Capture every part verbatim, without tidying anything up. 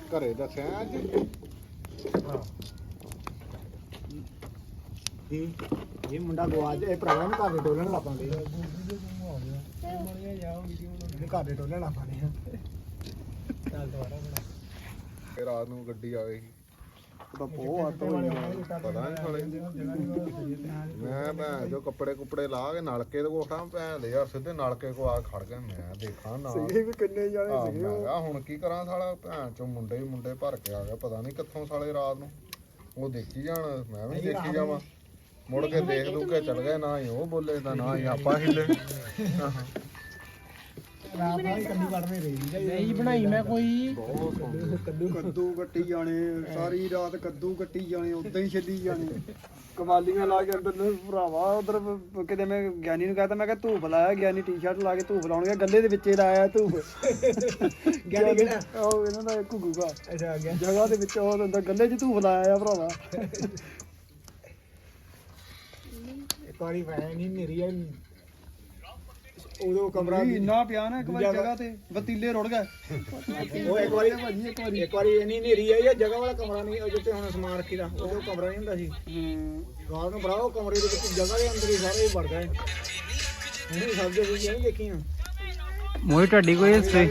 ਘਰੇ ਦੱਸਿਆ ਅੱਜ ਇਹ ਮੁੰਡਾ ਗਵਾਚ ਇਹ ਭਰਾਵਾਂ ਨੂੰ ਘਰ ਦੇ ਟੋਲਣ ਲੱਗ ਪਾਉਂਦੇ ਘਰ ਦੇ ਟੋਲਣ ਲੱਗ ਪਾਉਂਦੇ ਚੱਲ ਦੁਬਾਰਾ ਬਣਾ ਰਾਤ ਨੂੰ ਗੱਡੀ ਆ ਗਈ ਤਾਂ ਬਹੁਤ ਆਟੋ ਪਤਾ ਨਹੀਂ ਸਾਲੇ ਮੈਂ ਭੈਣ ਜੋ ਕੱਪੜੇ ਕੁਪੜੇ ਲਾ ਕੇ ਨਲਕੇ ਦੇ ਕੋਠਾ ਭੈਣ ਦੇ ਯਾਰ ਸਿੱਧੇ ਨਲਕੇ ਕੋ ਆ ਖੜ ਗਿਆ ਮੈਂ ਦੇਖਾਂ ਨਾ ਸੀਗੇ ਵੀ ਕਿੰਨੇ ਜਾਣੇ ਸੀਗੇ ਮੈਂ ਕਿਹਾ ਹੁਣ ਕੀ ਕਰਾਂ ਸਾਲਾ ਭੈਣ ਚੋਂ ਮੁੰਡੇ ਹੀ ਮੁੰਡੇ ਭਰ ਕੇ ਆ ਗਿਆ ਪਤਾ ਨਹੀਂ ਕਿੱਥੋਂ ਸਾਲੇ ਰਾਤ ਨੂੰ ਉਹ ਦੇਖੀ ਜਾਣ ਮੈਂ ਵੀ ਦੇਖੀ ਜਾਵਾਂ ਮੁੜ ਕੇ ਦੇਖ ਦੂ ਕੇ ਚਲ ਗਏ ਨਾ ਹੀ ਉਹ ਬੋਲੇ ਤਾਂ ਨਾ ਹੀ ਆਪਾਂ ਹਿੱਲੇ ਰਾਤ ਨਾਲ ਕੱਢੀ ਕੱਢਦੇ ਰਹੀ ਨਹੀਂ ਬਣਾਈ ਮੈਂ ਕੋਈ ਕੱਦੂ ਕੱਦੂ ਕੱਟੀ ਜਾਣੇ ਸਾਰੀ ਰਾਤ ਕੱਦੂ ਕੱਟੀ ਜਾਣੇ ਉਦਾਂ ਹੀ ਛੱਡੀ ਜਾਣੇ ਕਮਾਲੀਆਂ ਲਾ ਕੇ ਅੰਦਰ ਨੂੰ ਭਰਾਵਾ ਉਧਰ ਕਿਤੇ ਮੈਂ ਗਿਆਨੀ ਨੂੰ ਕਹਤਾ ਮੈਂ ਕਿਹਾ ਧੂਫ ਲਾਇਆ ਗਿਆਨੀ ਟੀ-ਸ਼ਰਟ ਲਾ ਕੇ ਧੂਫ ਲਾਉਣਗੇ ਗੱਲੇ ਦੇ ਵਿੱਚੇ ਲਾਇਆ ਧੂਫ ਗਿਆਨੀ ਕਿਹੜਾ ਉਹ ਇਹਨਾਂ ਦਾ ਘੁੱਗੂਗਾ ਅੱਛਾ ਗਿਆ ਜਗ੍ਹਾ ਦੇ ਵਿੱਚ ਉਹ ਅੰਦਰ ਗੱਲੇ 'ਚ ਧੂਫ ਲਾਇਆ ਆ ਭਰਾਵਾ ਇੱਕ ਵਾਰੀ ਵੈ ਨਹੀਂ ਮੇਰੀ ਉਦੋਂ ਕਮਰਾ ਇੰਨਾ ਪਿਆ ਨਾ ਇੱਕ ਵਾਰੀ ਜਗ੍ਹਾ ਤੇ ਵਤੀਲੇ ਰੁੜ ਗਏ ਉਹ ਇੱਕ ਵਾਰੀ ਭਾਜੀ ਇੱਕ ਵਾਰੀ ਇੱਕ ਵਾਰੀ ਇੰਨੀ ਹਨੇਰੀ ਆਈ ਆ ਜਗ੍ਹਾ ਵਾਲਾ ਕਮਰਾ ਨਹੀਂ ਉਹ ਜਿੱਥੇ ਹੁਣ ਸਮਾਨ ਰੱਖੀਦਾ ਉਦੋਂ ਕਮਰਾ ਨਹੀਂ ਹੁੰਦਾ ਸੀ ਰਾਤ ਨੂੰ ਭਰਾਓ ਕਮਰੇ ਦੇ ਵਿੱਚ ਜਗ੍ਹਾ ਦੇ ਅੰਦਰ ਹੀ ਸਾਰੇ ਵੜ ਗਏ ਹੁਣ ਸਭ ਦੇ ਵੀ ਨਹੀਂ ਦੇਖੀਆਂ ਮੋਈ ਢੱਡੀ ਕੋਈ ਹਿਸਟਰੀ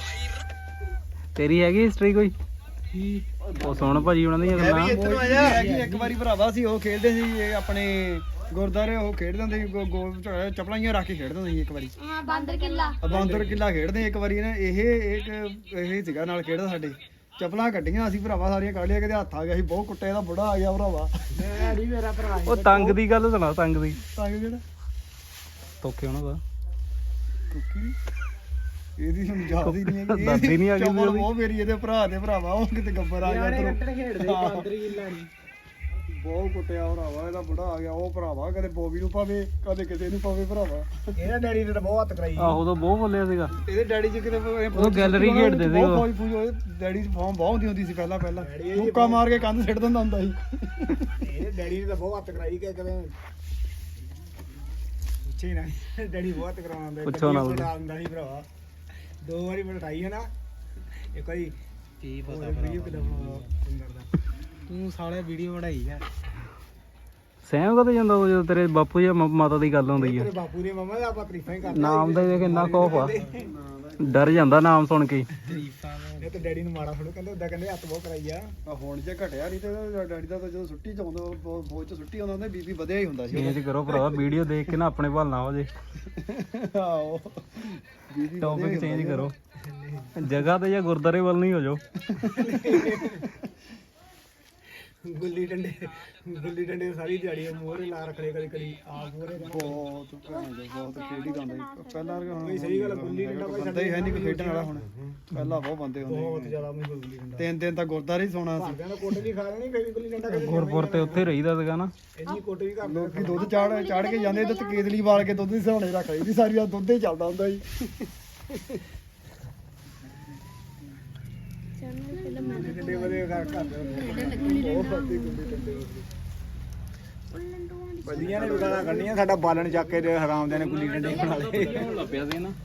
ਤੇਰੀ ਹੈਗੀ ਹਿਸਟਰੀ ਕੋਈ ਉਹ ਸੁਣ ਭਾਜੀ ਉਹਨਾਂ ਦੀਆਂ ਗੱਲਾਂ ਇੱਕ ਵਾਰੀ ਭਰਾਵਾ ਸੀ ਉਹ ਖੇਡਦੇ ਸੀ ਆਪਣੇ ਗੁਰਦਾਰੇ ਉਹ ਖੇਡਦੇ ਹੁੰਦੇ ਸੀ ਗੋਲ ਚੱਪਲਾਂ ਹੀ ਰੱਖ ਕੇ ਖੇਡਦੇ ਹੁੰਦੇ ਸੀ ਇੱਕ ਵਾਰੀ ਹਾਂ ਬਾਂਦਰ ਕਿੱਲਾ ਬਾਂਦਰ ਕਿੱਲਾ ਖੇਡਦੇ ਇੱਕ ਵਾਰੀ ਨਾ ਇਹ ਇੱਕ ਇਹ ਸੀਗਾ ਨਾਲ ਖੇਡਦਾ ਸਾਡੇ ਚੱਪਲਾਂ ਕੱਢੀਆਂ ਅਸੀਂ ਭਰਾਵਾ ਸਾਰੀਆਂ ਕੱਢ ਲਿਆ ਕਿਤੇ ਹੱਥ ਆ ਗਿਆ ਸੀ ਬਹੁਤ ਕੁੱਟੇ ਦਾ ਬੁੜਾ ਆ ਗਿਆ ਭਰਾਵਾ ਮੈਂ ਨਹੀਂ ਮੇਰਾ ਭਰਾ ਉਹ ਤੰਗ ਦੀ ਗੱਲ ਸੁਣਾ ਤੰਗ ਦੀ ਤੰਗ ਜਿਹੜਾ ਤੋਕੇ ਉਹਨਾਂ ਦਾ ਕੁੱਕੀ ਇਹਦੀ ਹੁਣ ਯਾਦ ਹੀ ਨਹੀਂ ਹੈਗੀ ਦਾਦੀ ਨਹੀਂ ਆ ਗਈ ਚੱਪਲ ਉਹ ਮੇਰੀ ਇਹਦੇ ਭਰਾ ਦੇ ਭਰਾਵਾ ਉਹ ਕਿਤੇ ਗੱਬਰ ਆ ਗਿਆ ਤੇਰੇ ਖੇਡਦੇ ਬਾਂਦਰ ਕਿੱਲਾ ਨਹੀਂ ਬਹੁਤ ਕੁੱਟਿਆ ਭਰਾਵਾ ਇਹਦਾ ਬੁੜਾ ਆ ਗਿਆ ਉਹ ਭਰਾਵਾ ਕਦੇ ਬੋਬੀ ਨੂੰ ਪਾਵੇ ਕਦੇ ਕਿਸੇ ਨੂੰ ਪਾਵੇ ਭਰਾਵਾ ਇਹਦਾ ਡੈਡੀ ਨੇ ਤਾਂ ਬਹੁਤ ਹੱਥ ਕਰਾਈ ਆਹੋ ਉਦੋਂ ਬਹੁਤ ਬੋਲਿਆ ਸੀਗਾ ਇਹਦੇ ਡੈਡੀ ਜੀ ਕਿਤੇ ਉਹ ਗੈਲਰੀ ਖੇਡਦੇ ਸੀ ਉਹ ਫੌਜ ਫੂਜ ਹੋਏ ਡੈਡੀ ਦੀ ਫਾਰਮ ਬਹੁਤ ਹੁੰਦੀ ਹੁੰਦੀ ਸੀ ਪਹਿਲਾਂ ਪਹਿਲਾਂ ਮੁੱਕਾ ਮਾਰ ਕੇ ਕੰਧ ਸਿੱਟ ਦਿੰਦਾ ਹੁੰਦਾ ਸੀ ਇਹਦੇ ਡੈਡੀ ਨੇ ਤਾਂ ਬਹੁਤ ਹੱਥ ਕਰਾਈ ਕਿ ਕਦੇ ਪੁੱਛੇ ਨਾ ਡੈਡੀ ਬਹੁਤ ਹੱਥ ਕਰਾਉਂਦਾ ਪੁੱਛੋ ਨਾ ਹੁੰਦਾ ਸੀ ਭਰਾਵਾ ਦੋ ਵਾਰੀ ਬਟਾਈ ਹੈ ਨਾ ਇੱਕ ਵਾਰੀ ਕੀ ਪਤਾ ਭਰਾ ਤੂੰ ਸਾਲੇ ਵੀਡੀਓ ਬਣਾਈ ਆ ਸਹਿਮ ਕਦੇ ਜਾਂਦਾ ਉਹ ਜਦੋਂ ਤੇਰੇ ਬਾਪੂ ਜਾਂ ਮਾਤਾ ਦੀ ਗੱਲ ਹੁੰਦੀ ਆ ਤੇਰੇ ਬਾਪੂ ਦੇ ਮਮਾ ਦਾ ਆਪਾਂ ਤਰੀਫਾਂ ਹੀ ਕਰਦੇ ਨਾਮ ਦਾ ਦੇਖ ਇੰਨਾ ਖੌਫ ਆ ਡਰ ਜਾਂਦਾ ਨਾਮ ਸੁਣ ਕੇ ਇਹ ਤੇ ਡੈਡੀ ਨੂੰ ਮਾੜਾ ਥੋੜੋ ਕਹਿੰਦੇ ਉਦਾਂ ਕਹਿੰਦੇ ਹੱਥ ਬਹੁਤ ਕਰਾਈ ਆ ਹੁਣ ਜੇ ਘਟਿਆ ਨਹੀਂ ਤੇ ਡੈਡੀ ਦਾ ਤਾਂ ਜਦੋਂ ਛੁੱਟੀ ਚ ਆਉਂਦਾ ਫੌਜ ਚ ਛੁੱਟੀ ਆਉਂਦਾ ਹੁੰਦਾ ਬੀਬੀ ਵਧਿਆ ਹੀ ਹੁੰਦਾ ਸੀ ਚੇਂਜ ਕਰੋ ਭਰਾ ਵੀਡੀਓ ਦੇਖ ਕੇ ਨਾ ਆਪਣੇ ਭਲ ਨਾ ਹੋ ਜੇ ਆਓ ਬੀਬੀ ਟੌਪਿਕ ਚੇਂਜ ਕਰੋ ਜਗ੍ਹਾ ਤੇ ਜਾਂ ਗੁਰਦਾਰੇ ਵੱਲ ਨਹੀਂ ਹੋ ਜਾਓ ਗੁੱਲੀ ਡੰਡੇ ਗੁੱਲੀ ਡੰਡੇ ਸਾਰੀ ਦਿਹਾੜੀ ਮੋਹਰੇ ਲਾ ਰੱਖਣੇ ਕਦੀ ਕਦੀ ਆਪ ਮੋਹਰੇ ਬਹੁਤ ਭੈਣ ਦੇ ਬਹੁਤ ਖੇਡੀ ਦਾ ਹੁੰਦਾ ਪਹਿਲਾਂ ਹੁਣ ਸਹੀ ਗੱਲ ਗੁੱਲੀ ਡੰਡਾ ਕੋਈ ਬੰਦਾ ਹੀ ਹੈ ਨਹੀਂ ਕੋਈ ਖੇਡਣ ਵਾਲਾ ਹੁਣ ਪਹਿਲਾਂ ਬਹੁਤ ਬੰਦੇ ਹੁੰਦੇ ਬਹੁਤ ਜ਼ਿਆਦਾ ਮੈਂ ਗੁੱਲੀ ਡੰਡਾ ਤਿੰਨ ਦਿਨ ਤਾਂ ਗੁਰਦਾਰੇ ਹੀ ਸੌਣਾ ਸੀ ਭਾਵੇਂ ਕੋਟੇ ਵੀ ਖਾ ਲੈਣੀ ਫੇਰ ਗੁੱਲੀ ਡੰਡਾ ਗੁਰਪੁਰ ਤੇ ਉੱਥੇ ਰਹੀਦਾ ਸੀਗਾ ਨਾ ਇੰਨੀ ਕੋਟੇ ਵੀ ਕਰ ਲੋਕੀ ਦੁੱਧ ਚਾੜ ਚਾੜ ਕੇ ਜਾਂਦੇ ਤੇ ਕੇਤਲੀ ਵਾਲ ਕੇ ਦੁੱਧ ਦੀ ਸਹਾਣੇ ਰੱਖ ਲਈ ਸਾਰੀ ਰਾਤ ਦੁੱਧ ਹੀ ਚੱਲਦਾ ਹੁੰਦਾ ਸੀ ਡੰਡੇ ਵਾਲੇ ਘਰ ਘਰ ਬਹੁਤ ਫੱਟੀ ਗੁੱਲੀ ਡੰਡੇ ਬੱਲੀਆਂ ਨੇ ਵੀ ਗਾਲਾਂ ਕੱਢੀਆਂ ਸਾਡਾ ਬਾਲਣ ਚੱਕ ਕੇ ਹਰਾਮਦਿਆਂ ਨੇ ਗੁੱਲੀ ਡੰਡੇ ਬਣਾ ਲਏ ਲੱਭਿਆ ਸੀ ਨਾ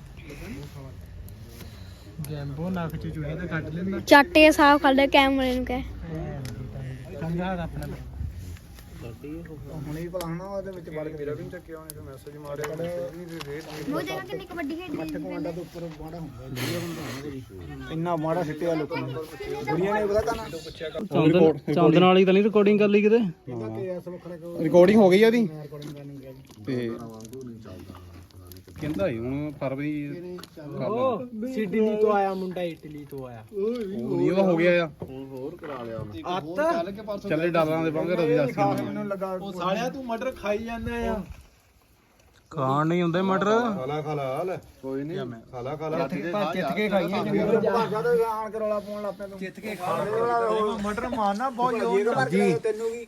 ਗੈਂਬੋ ਨੱਕ ਚ ਚੂਹੇ ਤੇ ਕੱਢ ਲੈਂਦਾ ਚਾਟੇ ਸਾਫ ਕਰ ਲੈ ਕੈਮਰੇ ਨੂੰ ਕਹਿ ਸਮਝਾ ਆਪਣਾ ਹੁਣੇ ਹੀ ਪਲਾਣਾ ਉਹਦੇ ਵਿੱਚ ਵੜ ਕੇ ਮੇਰਾ ਵੀ ਚੱਕਿਆ ਉਹਨੇ ਮੈਸੇਜ ਮਾਰਿਆ ਨਹੀਂ ਤੇ ਰੇਟ ਉਹ ਜਗ੍ਹਾ ਕਿੰਨੀ ਕਬੱਡੀ ਖੇਡਦੀ ਮੱਠ ਕਮਾਂਡਾ ਦੇ ਉੱਪਰ ਮਾੜਾ ਹੁੰਦਾ ਇੰਨਾ ਮਾੜਾ ਸਿੱਟਿਆ ਲੋਕਾਂ ਨੂੰ ਬੁੜੀਆਂ ਨੇ ਪਤਾ ਕਾਨਾ ਚੰਦਨ ਚੰਦਨ ਵਾਲੀ ਤਾਂ ਨਹੀਂ ਰਿਕਾਰਡਿੰਗ ਕਰ ਲਈ ਕਿਤੇ ਰਿਕਾਰਡਿੰਗ ਹੋ ਗਈ ਆ ਉਹਦੀ ਤੇ ਕਹਿੰਦਾ ਹੀ ਹੁਣ ਫਰਵਰੀ ਉਹ ਸਿਡਨੀ ਤੋਂ ਆਇਆ ਮੁੰਡਾ ਇਟਲੀ ਤੋਂ ਆਇਆ ਨਹੀਂ ਉਹ ਹੋ ਗਿਆ ਆ ਹੋਰ ਕਰਾ ਲਿਆ ਅੱਤ ਚੱਲੇ ਡਾਲਰਾਂ ਦੇ ਬਾਂਗੇ ਰਵੀ ਦੱਸ ਮੈਨੂੰ ਲੱਗਾ ਉਹ ਸਾਲਿਆ ਤੂੰ ਮਟਰ ਖਾਈ ਜਾਂਦਾ ਆ ਖਾਣ ਨਹੀਂ ਹੁੰਦੇ ਮਟਰ ਖਾਲਾ ਖਾਲਾ ਲੈ ਕੋਈ ਨਹੀਂ ਖਾਲਾ ਖਾਲਾ ਚਿੱਤ ਕੇ ਖਾਈਏ ਜਿੰਨੇ ਭਾਗਾ ਤੋਂ ਆਣ ਕੇ ਰੌਲਾ ਪਾਉਣ ਲੱਗ ਪਿਆ ਤੂੰ ਚਿੱਤ ਕੇ ਖਾ ਮਟਰ ਮਾਰਨਾ ਬਹੁਤ ਜ਼ੋਰ ਜੀ ਤੈਨੂੰ ਕੀ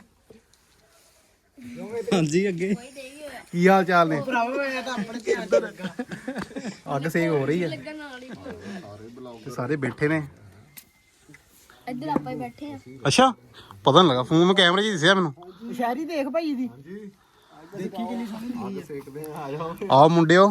ਹਾਂਜੀ ਅੱਗੇ ਕੀ ਹਾਲ ਚਾਲ ਨੇ ਭਰਾਵਾ ਮੈਂ ਤਾਂ ਆਪਣੇ ਧਿਆਨ ਤੇ ਲੱਗਾ ਅੱਗ ਸੇਕ ਹੋ ਰਹੀ ਹੈ ਲੱਗਣ ਨਾਲ ਹੀ ਤੇ ਸਾਰੇ ਬੈਠੇ ਨੇ ਇੱਧਰ ਆਪਾਂ ਹੀ ਬੈਠੇ ਆ ਅੱਛਾ ਪਤਾ ਨਹੀਂ ਲੱਗਾ ਫੋਨ ਮੈਂ ਕੈਮਰੇ 'ਚ ਦਿਸਿਆ ਮੈਨੂੰ ਸ਼ਾਇਰੀ ਦੇਖ ਭਾਈ ਦੀ ਦੇਖੀ ਕਿੰਨੀ ਸੋਹਣੀ ਸੇਕਦੇ ਆ ਜਾਓ ਆਓ ਮੁੰਡਿਓ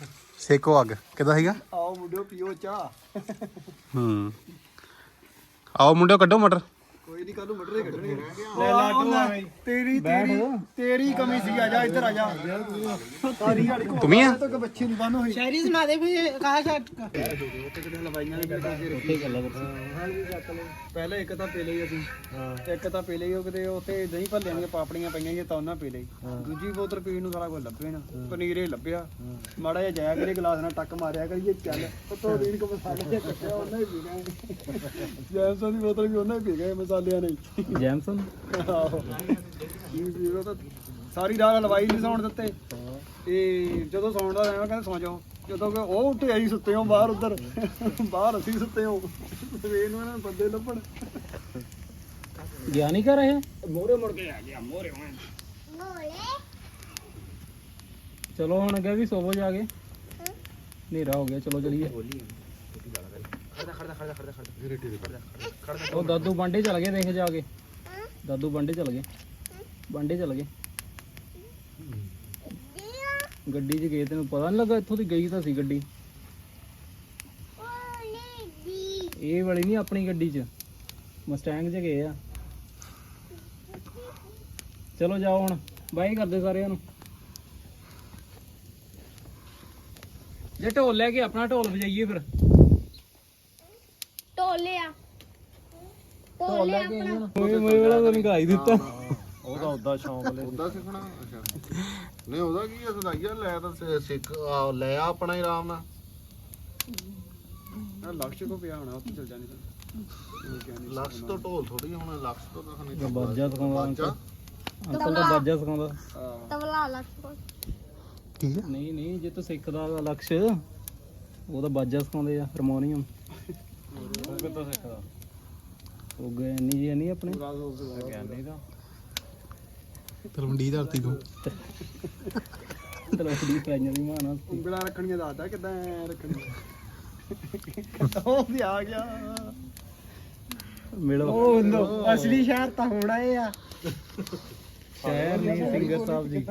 ਸੇਕੋ ਅੱਗ ਕਿੱਦਾਂ ਸੀਗਾ ਆਓ ਮੁੰਡਿਓ ਪੀਓ ਚਾਹ ਹੂੰ ਆਓ ਮੁੰਡਿਓ ਕੱਢੋ ਮਟਰ ਕੋਈ ਨਹੀਂ ਕੱਲ ਨੂੰ ਮਟਰ ਹੀ ਕੱਢਣਗੇ ਲੈ ਲਾਟੂ ਆ ਤੇਰੀ ਤੇਰੀ ਤੇਰੀ ਕਮੀ ਸੀ ਆ ਜਾ ਇੱਧਰ ਆ ਜਾ ਸਾਰੀ ਗਾੜੀ ਕੋ ਤੁਮੀ ਆ ਤੱਕ ਬੱਚੀ ਨੂੰ ਬੰਨ ਹੋਈ ਸ਼ਾਇਰੀ ਸੁਣਾ ਦੇ ਵੀ ਕਹਾ ਛੱਡ ਹਲਵਾਈਆਂ ਨੇ ਬੈਠਾ ਫਿਰ ਉੱਥੇ ਗੱਲਾਂ ਪਹਿਲੇ ਇੱਕ ਤਾਂ ਪੀ ਲਈ ਅਸੀਂ ਇੱਕ ਤਾਂ ਪੀ ਲਈ ਉਹ ਕਿਤੇ ਉੱਥੇ ਦਹੀਂ ਭੱਲਿਆਂ ਦੀਆਂ ਪਾਪੜੀਆਂ ਪਈਆਂ ਜੀ ਤਾਂ ਉਹਨਾਂ ਪੀ ਲਈ ਦੂਜੀ ਬੋਤਲ ਪੀਣ ਨੂੰ ਸਾਰਾ ਕੁਝ ਲੱਭੇ ਨਾ ਪਨੀਰੇ ਲੱਭਿਆ ਮਾੜਾ ਜਿਹਾ ਜਾਇਆ ਕਰੇ ਗਲਾਸ ਨਾਲ ਟੱਕ ਮਾਰਿਆ ਕਰੀਏ ਚੱਲ ਉੱਤੋਂ ਰੀਣ ਕੋ ਮਸਾਲੇ ਜਿਹਾ ਕੱਟਿਆ ਉਹਨਾਂ ਹੀ ਪੀ ਗਏ ਜੈਮਸਨ ਦੀ ਬੋਤਲ ਵੀ ਉਹਨਾਂ ਹੀ ਪੀ ਗਏ ਮਸਾਲਿਆਂ ਨੇ ਜੈਮਸਨ ਆਹੋ ਇਹ ਵੀ ਉਹ ਤਾਂ ਸਾਰੀ ਰਾਤ ਹਲਵਾਈ ਨਹੀਂ ਸੌਣ ਦਿੱਤੇ ਤੇ ਜਦੋਂ ਸੌਣ ਦਾ ਟਾਈਮ ਕਹਿੰਦੇ ਸੌ ਜਾਓ ਜਦੋਂ ਕਿ ਉਹ ਉੱਠੇ ਆਈ ਸੁੱਤੇ ਹੋ ਬਾਹਰ ਉੱਧਰ ਬਾਹਰ ਅਸੀਂ ਸੁੱਤੇ ਹੋ ਸਵੇਰ ਨੂੰ ਇਹਨਾਂ ਨੂੰ ਬੰਦੇ ਲੱਭਣ ਗਿਆ ਨਹੀਂ ਕਰ ਰਹੇ ਮੋਰੇ ਮੁੜ ਕੇ ਆ ਗਿਆ ਮੋਰੇ ਹੁਣ ਚਲੋ ਹੁਣ ਅੱਗੇ ਵੀ ਸੋਵੋ ਜਾ ਕੇ ਹਨੇਰਾ ਹੋ ਗਿਆ ਚਲੋ ਚਲੀਏ ਉਹ ਦਾਦੂ ਬਾਂਡੇ ਚਲ ਗਏ ਦੇਖ ਜਾ ਕੇ ਦਾਦੂ ਬਾਂਡੇ ਚਲ ਗਏ ਬਾਂਡੇ ਚਲ ਗਏ ਗੱਡੀ 'ਚ ਗਏ ਤੈਨੂੰ ਪਤਾ ਨਹੀਂ ਲੱਗਾ ਇੱਥੋਂ ਦੀ ਗਈ ਤਾਂ ਸੀ ਗੱਡੀ ਇਹ ਵਾਲੀ ਨਹੀਂ ਆਪਣੀ ਗੱਡੀ 'ਚ ਮਸਟੈਂਗ 'ਚ ਗਏ ਆ ਚਲੋ ਜਾਓ ਹੁਣ ਬਾਏ ਕਰਦੇ ਸਾਰਿਆਂ ਨੂੰ ਜੇ ਢੋਲ ਲੈ ਕੇ ਆਪਣਾ ਢੋਲ ਵਜਾਈਏ ਫਿਰ ਢੋਲੇ ਆ ਢੋਲ ਲੈ ਕੇ ਮੋਏ ਮੋਏ ਵਾਲਾ ਤਾਂ ਨਹੀਂ ਗਾਈ ਦਿੱਤਾ ਉਹਦਾ ਉਦਾਂ ਸ਼ੌਂਕ ਲੈ ਉਦਾਂ ਸਿੱਖਣਾ ਅੱਛਾ ਨਹੀਂ ਉਹਦਾ ਕੀ ਆ ਸਦਾਈਆ ਲੈ ਤਾਂ ਸਿ- ਸਿੱਖ ਆ, ਲੈ ਆ ਆਪਣਾ ਹੀ ਆਰਾਮ ਨਾਲ ਲਕਸ਼ ਕੋ ਪਿਆ ਹੋਣਾ ਉੱਥੇ ਚਲ ਜਾਣੀ ਤਾਂ ਲਕਸ ਤੋਂ ਢੋਲ ਥੋੜੀ ਹੁਣ ਲਕਸ ਤੋਂ ਤਾਂ ਨਹੀਂ ਬਾਜਾ ਸਿਖਾਉਂਦਾ ਬਾਜਾ ਅੰਕਲ ਤਾਂ ਬਾਜਾ ਸਿਖਾਉਂਦਾ ਤਬਲਾ ਲੱਗ ਕੋਲ ਠੀਕ ਹੈ ਨਹੀਂ ਨਹੀਂ ਜੇ ਤੂੰ ਸਿੱਖਦਾ ਵਾ ਲਕਸ਼ ਉਹ ਤਾਂ ਬਾਜਾ ਸਿਖਾਉਂਦੇ ਆ ਹਾਰਮੋਨੀਅਮ ਉਹ ਕਿੱਥੋਂ ਸਿੱਖਦਾ ਉਹ ਗਏ ਨਹੀਂ ਜੀ ਨਹੀਂ ਆਪਣੇ ਗਿਆਨੀ ਦਾ ਤਲਵੰਡੀ ਧਰਤੀ ਤੋਂ ਤਲਵੰਡੀ ਪਾਈਆਂ ਦੀ ਮਾਨਾ ਉਂਗਲਾਂ ਰੱਖਣੀਆਂ ਦੱਸਦਾ ਕਿੱਦਾਂ ਐਂ ਰੱਖਣੀਆਂ ਉਹ ਵੀ ਆ ਗਿਆ ਮਿਲੋ ਉਹ ਅਸਲੀ ਸ਼ਹਿਰ ਤਾਂ ਹੋਣਾ ਇਹ ਆ ਸ਼ਹਿਰ ਨਹੀਂ ਸਿੰਗਰ ਸਾਹਿਬ ਜੀ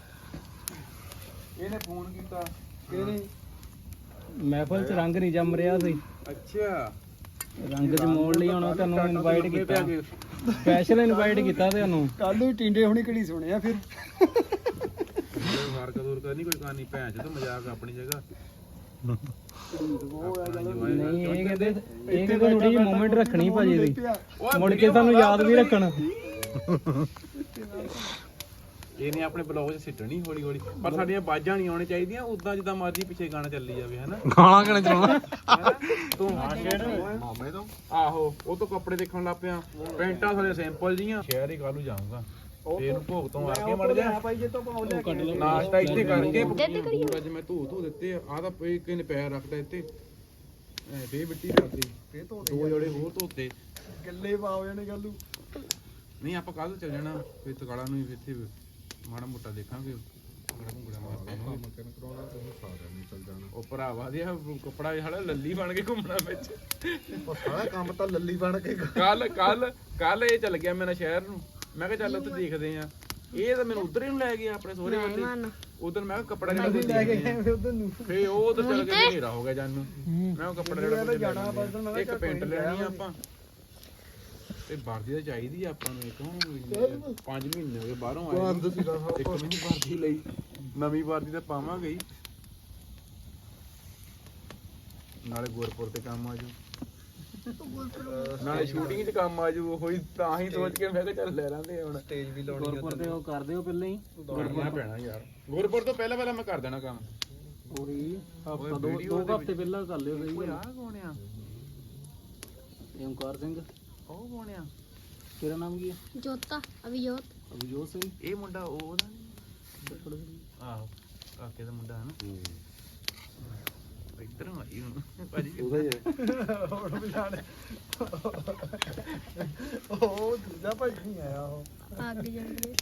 ਇਹਨੇ ਫੋਨ ਕੀਤਾ ਕਿਹਨੇ ਮਹਿਫਲ ਚ ਰੰਗ ਨਹੀਂ ਜੰਮ ਰਿਹਾ ਸੀ ਅੱਛਾ ਰੰਗ ਜਮਾਉਣ ਲਈ ਹੁਣ ਤੁਹਾਨੂੰ ਇਨਵਾਈਟ ਕੀਤਾ ਸਪੈਸ਼ਲ ਇਨਵਾਈਟ ਕੀਤਾ ਤੁਹਾਨੂੰ ਕੱਲ ਨੂੰ ਟਿੰਡੇ ਹੁਣੀ ਕਿਹੜੀ ਸੁਣਿਆ ਫਿਰ ਮਾਰ ਕਦੂਰ ਕਰਨੀ ਕੋਈ ਕਹਾਣੀ ਭੈਣ ਚ ਤਾਂ ਮਜ਼ਾਕ ਆਪਣੀ ਜਗ੍ਹਾ ਨਹੀਂ ਇਹ ਕਹਿੰਦੇ ਇਹ ਕਹਿੰਦੇ ਥੋੜੀ ਜਿਹੀ ਮੂਵਮੈਂਟ ਰੱਖਣੀ ਭਾਜੀ ਦੀ ਮੁੜ ਕੇ ਤੁਹਾਨੂੰ ਯਾਦ ਵੀ ਰੱਖਣ ਇਹਨੇ ਆਪਣੇ ਬਲੌਗ 'ਚ ਸਿੱਟਣੀ ਹੌਲੀ ਹੌਲੀ ਪਰ ਸਾਡੀਆਂ ਬਾਜਾਂ ਨਹੀਂ ਆਉਣੀ ਚਾਹੀਦੀਆਂ ਉਦਾਂ ਜਿੱਦਾਂ ਮਰਜ਼ੀ ਪਿੱਛੇ ਗਾਣਾ ਚੱਲੀ ਜਾਵੇ ਹਨਾ ਗਾਣਾ ਕਿਹਨੇ ਚਲਾਉਣਾ ਤੂੰ ਮਾਮੇ ਤੋਂ ਆਹੋ ਉਹ ਤੋਂ ਕੱਪੜੇ ਦੇਖਣ ਲੱਗ ਪਿਆ ਪੈਂਟਾਂ ਸਾਰੇ ਸਿੰਪਲ ਜੀਆਂ ਸ਼ਹਿਰ ਹੀ ਕੱਲ ਨੂੰ ਜਾਊਂਗਾ ਤੇ ਇਹਨੂੰ ਭੋਗ ਤੋਂ ਆ ਕੇ ਮੜ ਜਾ ਭਾਈ ਜੇ ਤੋਂ ਪਾਉ ਲੈ ਕੇ ਨਾਸ਼ਤਾ ਇੱਥੇ ਕਰਕੇ ਅੱਜ ਮੈਂ ਧੂ ਧੂ ਦਿੱਤੇ ਆ ਆਹ ਤਾਂ ਪਈ ਕਿਨੇ ਪੈਰ ਰੱਖਦਾ ਇੱਥੇ ਐ ਫੇਰ ਮਿੱਟੀ ਰੱਖਦੀ ਫੇਰ ਧੋ ਦੋ ਜੋੜੇ ਹੋਰ ਧੋਤੇ ਗੱਲੇ ਪਾਉ ਜਾਣੇ ਕੱਲ ਨੂੰ ਨਹੀਂ ਆਪਾਂ ਕੱਲ ਚੱਲ ਜਾਣਾ ਫੇਰ ਤਕਾਲਾ ਨੂੰ ਵੀ ਇੱਥੇ ਮਾੜਾ ਮੋਟਾ ਦੇਖਾਂਗੇ ਗੜਾ ਮੁੰਗੜਾ ਮਾਰ ਪਾਵਾਂਗੇ ਮੱਕਨ ਕਰਾਉਣਾ ਤੁਸੀਂ ਸਾਰਿਆਂ ਨੂੰ ਚੱਲ ਜਾਣਾ ਉਹ ਭਰਾਵਾ ਦੀ ਕੱਪੜਾ ਜਿਹੜਾ ਲੱਲੀ ਬਣ ਕੇ ਘੁੰਮਣਾ ਵਿੱਚ ਉਹ ਸਾਰਾ ਕੰਮ ਤਾਂ ਲੱਲੀ ਬਣ ਕੇ ਕੱਲ ਕੱਲ ਕੱਲ ਇਹ ਚੱਲ ਗਿਆ ਮੇਰਾ ਸ਼ਹਿਰ ਨੂੰ ਮੈਂ ਕਿਹਾ ਚੱਲ ਉੱਥੇ ਦੇਖਦੇ ਆ ਇਹ ਤਾਂ ਮੈਨੂੰ ਉਧਰ ਹੀ ਨੂੰ ਲੈ ਗਿਆ ਆਪਣੇ ਸਹੁਰੇ ਵੱਲ ਉਧਰ ਮੈਂ ਕਿਹਾ ਕੱਪੜਾ ਜਿਹੜਾ ਕੋਈ ਲੈ ਕੇ ਗਏ ਉਧਰ ਨੂੰ ਫੇ ਉਹ ਉਧਰ ਚੱਲ ਗਿਆ ਹਨੇਰਾ ਹੋ ਗਿਆ ਜਾਨੂੰ ਮੈਂ ਕਿਹਾ ਕੱਪੜਾ ਜਿਹੜਾ ਜਾਣਾ ਬਸ ਮੈਂ ਇੱਕ ਪੈਂਟ ਲੈਣੀ ਆ ਆਪਾਂ ਤੇ ਵਰਦੀ ਤਾਂ ਚਾਹੀਦੀ ਆ ਆਪਾਂ ਨੂੰ ਇੱਕ ਹੁਣ ਪੰਜ ਮਹੀਨੇ ਹੋ ਗਏ ਬਾਹਰੋਂ ਆਏ ਬੰਦ ਸੀਗਾ ਇੱਕ ਮਹੀਨੇ ਵਰਦੀ ਲਈ ਨਵੀਂ ਵਰਦੀ ਤਾਂ ਪਾਵਾਂਗੇ ਹੀ ਨਾਲੇ ਗੁਰਪੁਰ ਤੇ ਕੰਮ ਆ ਜਾਊ ਨਾਲੇ ਸ਼ੂਟਿੰਗ 'ਚ ਕੰਮ ਆ ਜਾਊ ਉਹੀ ਤਾਂ ਹੀ ਸੋਚ ਕੇ ਮੈਂ ਕਿਹਾ ਚੱਲ ਲੈ ਲਾਂਦੇ ਹੁਣ ਸਟੇਜ ਵੀ ਲਾਉਣੀ ਗੁਰਪੁਰ ਤੇ ਉਹ ਕਰਦੇ ਹੋ ਪਹਿਲਾਂ ਹੀ ਕਰਨਾ ਪੈਣਾ ਯਾਰ ਗੁਰਪੁਰ ਤੋਂ ਪਹਿਲਾਂ ਪਹਿਲਾਂ ਮੈਂ ਕਰ ਦੇਣਾ ਕੰਮ ਉਹੀ ਹਫਤਾ ਦੋ ਦੋ ਹਫਤੇ ਪਹਿਲਾਂ ਕਰ ਲਿਓ ਸਹੀ ਆਹ ਕੌਣ ਆ ਓਮਕਾਰ ਸਿੰਘ ਉਹ ਕੌਣ ਆ ਤੇਰਾ ਨਾਮ ਕੀ ਹੈ ਜੋਤਾ ਅਭਿਜੋਤ ਅਭਿਜੋਤ ਸਿੰਘ ਇਹ ਮੁੰਡਾ ਉਹਦਾ ਆਹੋ ਕਾਕੇ ਦਾ ਮੁੰਡਾ ਹੈ ਨਾ ਇੱਧਰ ਆਈ ਹੁਣ ਭਾਜੀ ਹੁਣ ਪਛਾਣ ਉਹ ਦੂਜਾ ਭਾਈ ਨਹੀਂ ਆਇਆ ਉਹ ਅੱਗ ਜਾਂਦੀ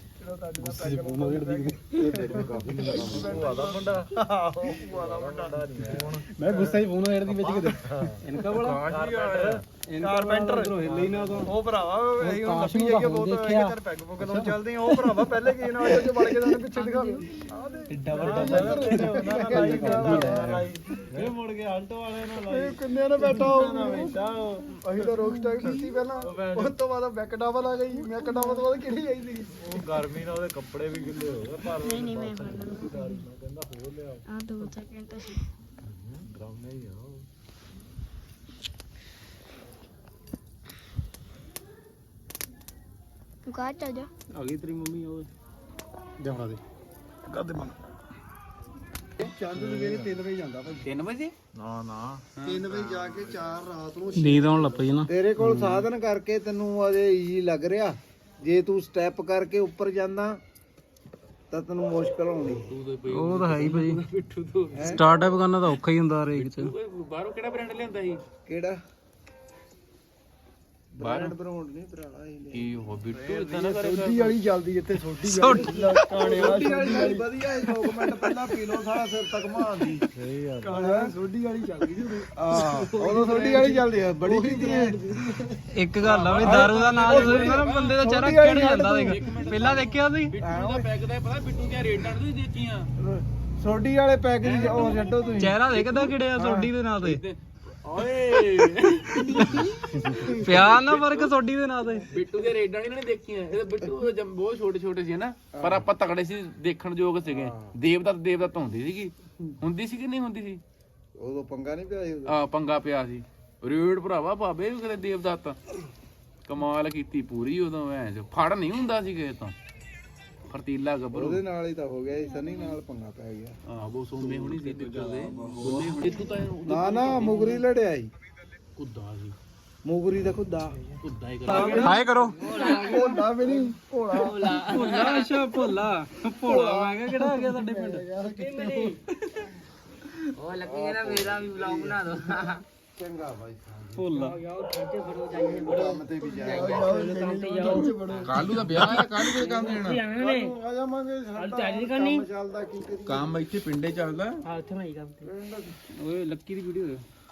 ਮੈਂ ਗੁੱਸੇ 'ਚ ਫੋਨ ਵੇੜਦੀ ਵਿੱਚ ਕਿਤੇ ਇਨਕਾ ਬੜਾ ਕਾਰਪੈਂਟਰ ਹਿੱਲੇ ਹੀ ਨਾ ਉਦੋਂ ਉਹ ਭਰਾਵਾ ਇਹ ਹੁਣ ਕਾਸ਼ ਲੱਭੀ ਨੂੰ ਜਾਈਏ ਤਾਂ ਬਹੁਤ ਦੇਖਿਆ। ਘਰ ਪੈਗ ਪੁੱਗ ਲਾਉਣ ਚੱਲਦੇ ਆ ਉਹ ਭਰਾਵਾ ਪਹਿਲੇ ਕੀ ਨਾਲ ਜੋ ਵੜ ਕੇ ਸਾਨੂੰ ਪਿੱਛੇ ਦਿਖਾਵੇ ਆਹ ਦੇ ਏਡਾ ਵੱਡਾ ਇਹ ਮੁੜ ਕੇ ਆਲਟੋ ਵਾਲੇ ਨਾਲ ਇਹ ਕਿੰਨੇ ਨੇ ਬੈਠਾ ਹੋਊ ਅਸੀਂ ਤਾਂ ਰੋਕ ਸਟਾਈਲ ਕੀਤੀ ਪਹਿਲਾਂ ਉਸ ਤੋਂ ਬਾਅਦ ਬੈਕ ਡਬਲ ਆ ਗਈ ਬੈਕ ਡਬਲ ਤੋਂ ਬਾਅਦ ਕਿਹੜੀ ਆਈ ਸੀ ਨਹੀਂ ਨਹੀਂ ਮੈਂ ਫੜਨਾ ਆ ਦੋ ਸੈਕਿੰਡ ਸੀ ਤੂੰ ਕਾ ਚੱਲ ਜਾ ਆ ਗਈ ਤੇਰੀ ਮੰਮੀ ਉਹ ਜਾਣਾ ਦੇ ਚੰਦ ਸਵੇਰੇ ਤਿੰਨ ਵਜੇ ਜਾਂਦਾ ਭਾਈ ਤਿੰਨ ਵਜੇ ਨਾ ਨਾ ਤਿੰਨ ਵਜੇ ਜਾ ਕੇ ਚਾਰ ਰਾਤ ਨੂੰ ਨੀਂਦ ਆਉਣ ਲੱਗ ਪਈ ਨਾ ਤੇਰੇ ਕੋਲ ਸਾਧਨ ਕਰਕੇ ਤੈਨੂੰ ਅਜੇ ਈਜ਼ੀ ਲੱਗ ਰਿਹਾ ਜੇ ਤੂੰ ਸਟੈਪ ਕਰਕੇ ਉੱਪਰ ਜਾਂਦਾ ਤਾਂ ਤੈਨੂੰ ਮੁਸ਼ਕਲ ਆਉਣੀ ਉਹ ਤਾਂ ਹੈ ਹੀ ਭਾਜੀ ਸਟਾਰਟਅਪ ਕਰਨਾ ਤਾਂ ਔਖਾ ਹੀ ਹੁੰਦਾ ਹਰੇਕ ਚ ਬਾਹਰੋਂ ਕਿਹੜਾ ਬ੍ਰਾਂਡ ਲਿਆਂਦਾ ਸੀ ਕਿਹੜਾ ਬ੍ਰਾਂਡ ਬਰਾਉਂਡ ਨਹੀਂ ਭਰਾਵਾ ਇਹ ਲੈ ਕੀ ਹੋ ਬਿੱਟੂ ਇਦਾਂ ਨਾ ਕਰੇ ਸੋਢੀ ਵਾਲੀ ਚੱਲਦੀ ਇੱਥੇ ਸੋਢੀ ਵਾਲੀ ਕਾਣੇ ਵਾਲੀ ਵਧੀਆ ਇਹ ਦੋ ਮਿੰਟ ਪਹਿਲਾਂ ਪੀ ਲਓ ਸਾਰਾ ਸਿਰ ਤੱਕ ਮਾਰਦੀ ਸਹੀ ਗੱਲ ਕਾਣੇ ਸੋਢੀ ਵਾਲੀ ਚੱਲਦੀ ਜੀ ਆ ਉਦੋਂ ਸੋਢੀ ਵਾਲੀ ਚੱਲਦੀ ਆ ਬੜੀ ਪੀਂਦੀ ਹੈ ਇੱਕ ਗੱਲ ਆ ਵੀ ਦਾਰੂ ਦਾ ਨਾਮ ਸੁਣਦਾ ਨਾ ਬੰਦੇ ਦਾ ਚਿਹਰਾ ਕਿਹੜ ਜਾਂਦਾ ਦੇਖ ਪਹਿਲਾਂ ਦੇਖਿਆ ਸੀ ਬਿੱਟੂ ਦਾ ਪੈਕ ਦਾ ਪਤਾ ਬਿੱਟੂ ਦੀਆਂ ਰੇਟਾਂ ਤੁਸੀਂ ਦੇਖੀਆਂ ਸੋਢੀ ਵਾਲੇ ਪੈਕੇਜ ਉਹ ਛੱਡੋ ਤੁਸੀਂ ਚਿਹਰਾ ਦੇਖਦਾ ਕਿਹੜਿਆ ਸੋਡੀ ਦੇ ਨਾਂ ਤੇ ਓਏ ਪਿਆਰ ਨਾ ਫਰਕ ਸੋਡੀ ਦੇ ਨਾਂ ਤੇ ਬਿੱਟੂ ਦੀਆਂ ਰੇਟਾਂ ਨਹੀਂ ਦੇਖੀਆਂ ਇਹ ਤਾਂ ਬਿੱਟੂ ਜਮ ਬਹੁਤ ਛੋਟੇ ਛੋਟੇ ਸੀ ਨਾ ਪਰ ਆਪਾਂ ਤਕੜੇ ਸੀ ਦੇਖਣ ਯੋਗ ਸੀਗੇ ਦੇਵਦੱਤ ਦੇਵਦੱਤ ਹੁੰਦੀ ਸੀਗੀ ਹੁੰਦੀ ਸੀ ਕਿ ਨਹੀਂ ਹੁੰਦੀ ਸੀ ਉਦੋਂ ਪੰਗਾ ਨਹੀਂ ਪਿਆ ਸੀ ਆ ਪੰਗਾ ਪਿਆ ਸੀ ਰੇਡ ਭਰਾਵਾ ਬਾਬੇ ਵੀ ਕਿਤੇ ਦੇਵਦੱਤ ਕਮਾਲ ਕੀਤੀ ਪੂਰੀ ਉਦੋਂ ਐ ਫੜ ਨਹੀਂ ਹੁੰਦਾ ਸੀ ਕਿਸੇ ਤੋਂ ਫਰਤੀਲਾ ਗੱਭਰੂ ਉਹਦੇ ਨਾਲ ਹੀ ਤਾਂ ਹੋ ਗਿਆ ਸੀ ਸਨੀ ਨਾਲ ਪੰਗਾ ਪੈ ਗਿਆ ਆ ਉਹ ਸੋਮੇ ਹੋਣੀ ਸੀ ਬਿੱਟੂ ਦੇ ਬੁੱਲੇ ਹੋਣੀ ਤੂੰ ਤਾਂ ਨਾ ਨਾ ਮੁਗਰੀ ਲੜਿਆ ਸੀ ਕੁੱਦਾ ਸੀ ਮੁਗਰੀ ਦਾ ਖੁੱਦਾ ਕੁੱਦਾ ਹੀ ਕਰ ਹਾਏ ਕਰੋ ਭੋਲਾ ਵੀ ਨਹੀਂ ਭੋਲਾ ਭੋਲਾ ਅੱਛਾ ਭੋਲਾ ਭੋਲਾ ਮੈਂ ਕਿਹਾ ਕਿਹੜਾ ਆ ਗਿਆ ਸਾਡੇ ਪਿੰਡ ਉਹ ਲੱਗੀ ਨਾ ਮੇਰਾ ਵੀ ਵਲੌਗ ਬਣਾ ਦੋ ਚੰਗਾ ਬਾਈ ਭੋਲਾ ਕੰਮ ਤੇ ਵੀ ਜਾਇਆ ਕਾਲੂ ਦਾ ਵਿਆਹ ਹੈ ਕਾਲੂ ਦੇ ਕੰਮ ਦੇਣਾ ਆ ਜਾਵਾਂਗੇ ਸਾਡਾ ਕੰਮ ਚੱਲਦਾ ਕੀ ਕਰੀ ਕੰਮ ਇੱਥੇ ਪਿੰਡੇ ਚੱਲਦਾ ਓਏ ਲੱਕੀ ਦੀ ਵੀਡੀਓ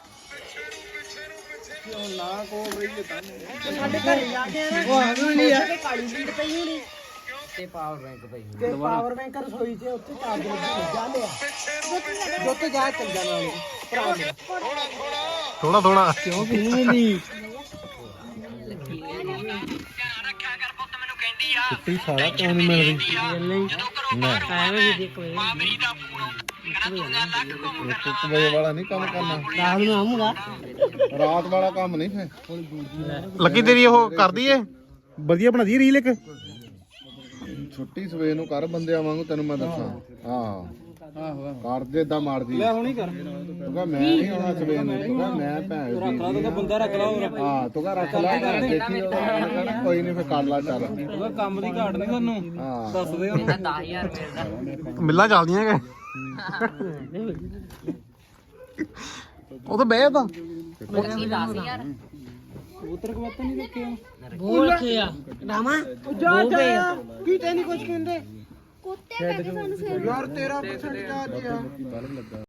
ਨਾ ਕੋਲ ਰਹੀ ਤਾਂ ਸਾਡੇ ਘਰ ਜਾ ਕੇ ਉਹ ਆਉਣ ਨਹੀਂ ਆ ਕਾਲੀ ਬੀੜ ਪਈ ਹੋਣੀ ਤੇ ਪਾਵਰ ਬੈਂਕ ਪਈ ਤੇ ਪਾਵਰ ਬੈਂਕ ਰਸੋਈ 'ਚ ਉੱਥੇ ਚਾਰਜ ਲੱਗੀ ਜਾ ਲਿਆ ਜੋ ਤੇ ਜਾ ਚੱਲ ਜਾਣਾ ਉਹਨੇ ਭਰਾ ਮੇਰਾ ਥੋੜਾ ਥੋੜਾ ਕਿਉਂ ਪੀਣੀ ਨਹੀਂ ਕਿੱਤੀ ਸਾਲਾ ਕਿਉਂ ਨਹੀਂ ਮਿਲ ਰਹੀ ਐਵੇਂ ਵੀ ਦੇਖੋ ਇੱਕ ਵਜੇ ਵਾਲਾ ਨਹੀਂ ਕੰਮ ਕਰਨਾ ਰਾਤ ਨੂੰ ਆਉਂਗਾ ਰਾਤ ਵਾਲਾ ਕੰਮ ਨਹੀਂ ਫੇ ਲੱਗੀ ਤੇਰੀ ਉਹ ਕਰਦੀ ਏ ਵਧੀਆ ਬਣਾਦੀ ਰੀਲ ਇੱਕ ਛੁੱਟੀ ਸਵੇਰ ਨੂੰ ਕਰ ਬੰਦਿਆਂ ਵਾਂਗੂ ਤੈਨੂੰ ਮੈਂ ਦੱਸਾਂ ਹਾਂ ਆਹੋ ਕਰ ਦੇ ਏਦਾਂ ਮਾਰਦੀ ਲੈ ਹੁਣੀ ਕਰ ਤੂੰ ਕਹ ਮੈਂ ਨਹੀਂ ਆਉਣਾ ਸਵੇਰ ਨੂੰ ਤੂੰ ਕਹ ਮੈਂ ਭੈਣ ਰੱਖ ਲਾ ਤਾਂ ਬੰਦਾ ਰੱਖ ਲਾ ਹੋਰ ਹਾਂ ਤੂੰ ਕਹ ਰੱਖ ਲੈ ਦੇਖੀ ਉਹਨੇ ਕਹਿਣਾ ਕੋਈ ਨਹੀਂ ਫੇ ਕਰ ਲਾ ਚੱਲ ਉਹਦਾ ਕੰਮ ਦੀ ਘਾਟ ਨਹੀਂ ਤੁਹਾਨੂੰ ਹਾਂ ਦੱਸ ਦੇ ਉਹਨੂੰ ਦਸ ਹਜ਼ਾਰ ਰੁਪਏ ਦਾ ਮਿੱਲਾਂ ਚੱਲਦੀਆਂ ਕਿ ਉਹ ਤਾਂ ਬਹਿ ਤਾਂ ਦਸ ਹਜ਼ਾਰ ਕਬੂਤਰ ਕਬੂਤਰ ਨਹੀਂ ਦੇਖਿਆ ਬੋਲ ਕੇ ਆ ਰਾਮਾ ਜਾ ਜਾ ਕੀ ਤੈਨੂੰ ਕੁਝ ਕਹਿੰਦੇ ਕੁੱਤੇ ਕਹਿੰਦੇ ਸਾਨੂੰ ਫਿਰ ਯਾਰ ਤੇਰਾ ਪਰਸੈਂਟ ਚਾਰਜ ਆ